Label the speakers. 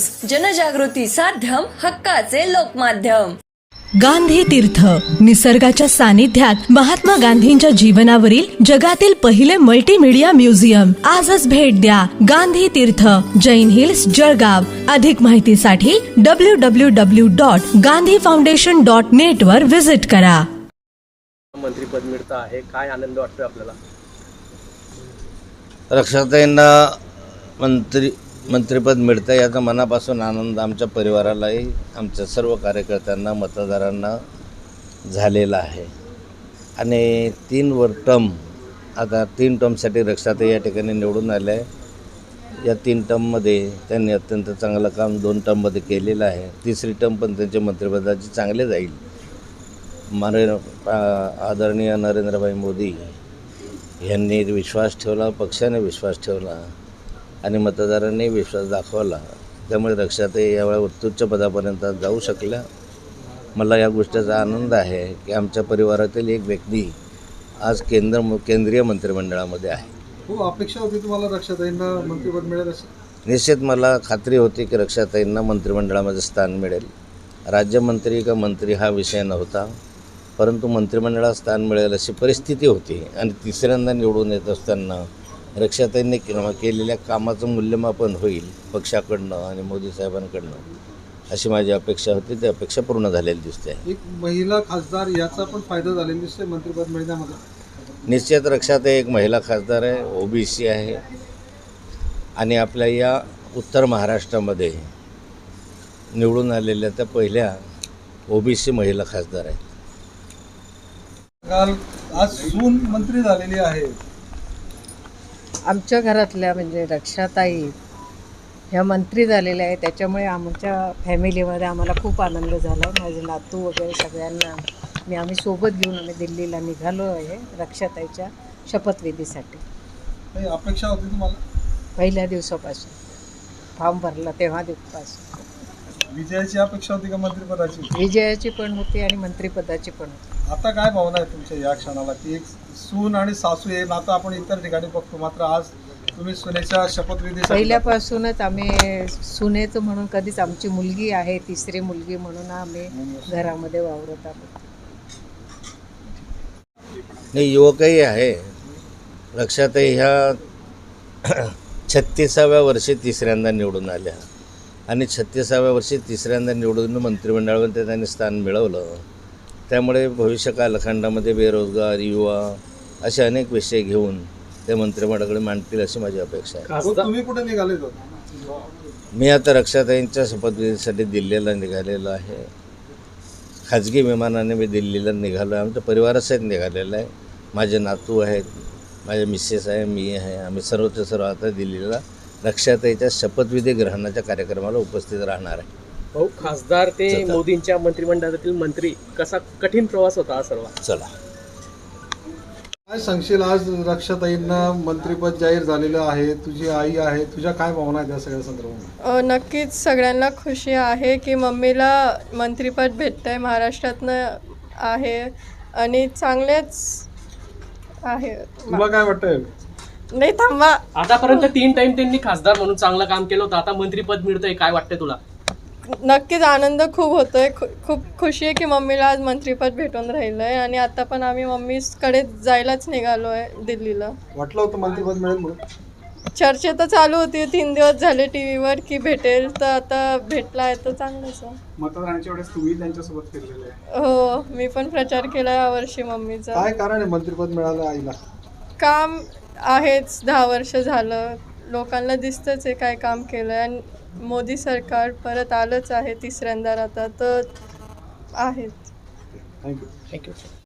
Speaker 1: News, जनजागृती साध्यम, हक्काचे लोकमाध्यम।
Speaker 2: गांधी तीर्थ, निसर्गाच्या सानिध्यात महात्मा गांधींच्या जीवनावरील जगातील पहिले मल्टीमीडिया म्युझियम। आजच भेट द्या गांधी तीर्थ, जैन हिल्स, जळगाव। अधिक माहितीसाठी www.gandhifoundation.net वर विजिट करा।
Speaker 3: मंत्रीपद मिळतं आहे, काय आनंद वाटतो आपल्याला?
Speaker 4: रक्षाताईंना मंत्रिपद मिळतं याचा मनापासून आनंद आमच्या परिवारालाही, आमच्या सर्व कार्यकर्त्यांना, मतदारांना झालेला आहे। आणि 3 टर्मसाठी रक्षाताई या ठिकाणी निवडून आल्या आहे। या 3 टर्ममध्ये त्यांनी अत्यंत चांगलं काम 2 टर्ममध्ये केलेलं आहे। 3री टर्म पण त्यांच्या मंत्रिपदाची चांगले जाईल। आदरणीय नरेंद्रभाई मोदी यांनी विश्वास ठेवला, पक्षाने विश्वास ठेवला आणि मतदारांनी विश्वास दाखवला। त्यामुळे रक्षाताई यावेळी उत्तुच्च पदापर्यंत जाऊ शकल्या। मला या गोष्टीचा आनंद आहे की आमच्या परिवारातील एक व्यक्ती आज केंद्रीय मंत्रिमंडळामध्ये आहे।
Speaker 5: खूप अपेक्षा होती तुम्हाला रक्षाताईंना मंत्रिपद मिळेल अशी?
Speaker 4: निश्चित मला खात्री होती की रक्षाताईंना मंत्रिमंडळामध्ये स्थान मिळेल। राज्यमंत्री का मंत्री हा विषय नव्हता, परंतु मंत्रिमंडळात स्थान मिळेल अशी परिस्थिती होती। आणि 3ऱ्यांदा निवडून येत असताना रक्षाताईंनी केलेल्या कामाचं मूल्यमापन होईल पक्षाकडनं आणि मोदी साहेबांकडनं, अशी माझी अपेक्षा होती। ती अपेक्षा पूर्ण झालेली दिसते आहे।
Speaker 5: एक महिला खासदार याचा पण फायदा झालेला दिसतोय मंत्रिपद मिळण्यामध्ये।
Speaker 4: निश्चित रक्षाताई एक महिला खासदार आहे, OBC आहे आणि आपल्या या उत्तर महाराष्ट्रामध्ये निवडून आलेल्या त्या पहिल्या OBC महिला खासदार आहेत।
Speaker 5: काल आज सून मंत्री झालेली आहे।
Speaker 6: आमच्या घरातल्या म्हणजे रक्षाताई ह्या मंत्री झालेल्या आहे, त्याच्यामुळे आमच्या फॅमिलीमध्ये आम्हाला खूप आनंद झाला। माझे नातू वगैरे सगळ्यांना आम्ही सोबत घेऊन आम्ही दिल्लीला निघालो आहे रक्षाताईच्या शपथविधीसाठी।
Speaker 5: काही अपेक्षा होती तुम्हाला?
Speaker 6: पहिल्या दिवसापासून फॉर्म भरला तेव्हा दिवसापासून
Speaker 5: विजयाची अपेक्षा होती का मंत्रिपदाची?
Speaker 6: विजयाची पण होती आणि मंत्रिपदाची पण होती।
Speaker 5: आता काय भावना आहे तुमच्या या क्षणाला की एक सून आणि सासू हे नातं आपण इतर ठिकाणी बघतो, मात्र आज तुम्ही सुनेच्या शपथविधी
Speaker 6: पहिल्यापासूनच आम्ही सुनेचं म्हणून कधीच, आमची मुलगी आहे 3री मुलगी म्हणून आम्ही घरामध्ये वावरत आहोत।
Speaker 4: नाही, युवकही आहे। रक्षाताई ह्या 36व्या वर्षी 3ऱ्यांदा निवडून आल्या आणि 36व्या वर्षी 3ऱ्यांदा निवडून मंत्रिमंडळामध्ये त्यांनी स्थान मिळवलं। त्यामुळे भविष्य कालखंडामध्ये बेरोजगार, युवा असे अनेक विषय घेऊन ते मंत्रिमंडळाकडे मांडतील अशी माझी अपेक्षा आहे।
Speaker 5: तुम्ही कुठे निघाले होते?
Speaker 4: मी आता रक्षाताईंच्या शपथविधीसाठी दिल्लीला निघालेलो आहे। खाजगी विमानाने मी दिल्लीला निघालो आहे। आमच्या परिवारासहित निघालेलं आहे। माझे नातू आहेत, माझे मिसेस आहे, मी आहे। आम्ही सर्वच्या सर्व आता दिल्लीला रक्षाताईच्या शपथविधी ग्रहणाच्या कार्यक्रमाला उपस्थित राहणार आहे।
Speaker 3: भाऊ, खासदार ते मोदींच्या मंत्रिमंडळातील मंत्री, कसा कठीण प्रवास होता हा सर्व?
Speaker 4: चला,
Speaker 5: काय सांगशील? आज रक्षाताईंना मंत्रिपद जाहीर झालेलं आहे, तुझी आई आहे, तुझ्या काय भावना आहेत या सगळ्या संदर्भात?
Speaker 7: नक्कीच सगळ्यांना खुशी आहे की मम्मीला मंत्रिपद भेटतंय, महाराष्ट्रातनं आहे आणि चांगलेच आहे।
Speaker 5: तुला काय वाटतंय?
Speaker 7: नाही थांबा,
Speaker 3: आतापर्यंत 3 टाइम त्यांनी खासदार म्हणून चांगलं काम केलं होतं, आता मंत्रीपद मिळतंय, काय वाटतंय तुला?
Speaker 7: नक्कीच आनंद खूप होतोय। खूप खुशी आहे की मम्मीला आज मंत्रिपद भेटून राहिलंय आणि आता पण आम्ही मम्मीकडे जायलाच निघालो आहे दिल्लीला।
Speaker 5: वाटलं होतं मंत्रिपद मिळेल म्हणून?
Speaker 7: चर्चा तर चालू होती 3 दिवस झाले टीव्हीवर की भेटेल, तर आता भेटला आहे तर चांगलंच आहे।
Speaker 5: मतदानाच्या वेळेस तुम्ही त्यांच्यासोबत फिरलेले आहे?
Speaker 7: हो, मी पण प्रचार केला यावर्षी मम्मीचा।
Speaker 5: काय कारण आहे मंत्रिपद मिळालं आईला? काम
Speaker 7: आहेच, 10 वर्ष झालं, लोकांना दिसतंच आहे काय काम केलं आहे। आणि मोदी सरकार परत आलंच आहे 3ऱ्यांदा आता, तर आहेच।
Speaker 5: थँक्यू.
Speaker 3: थँक्यू.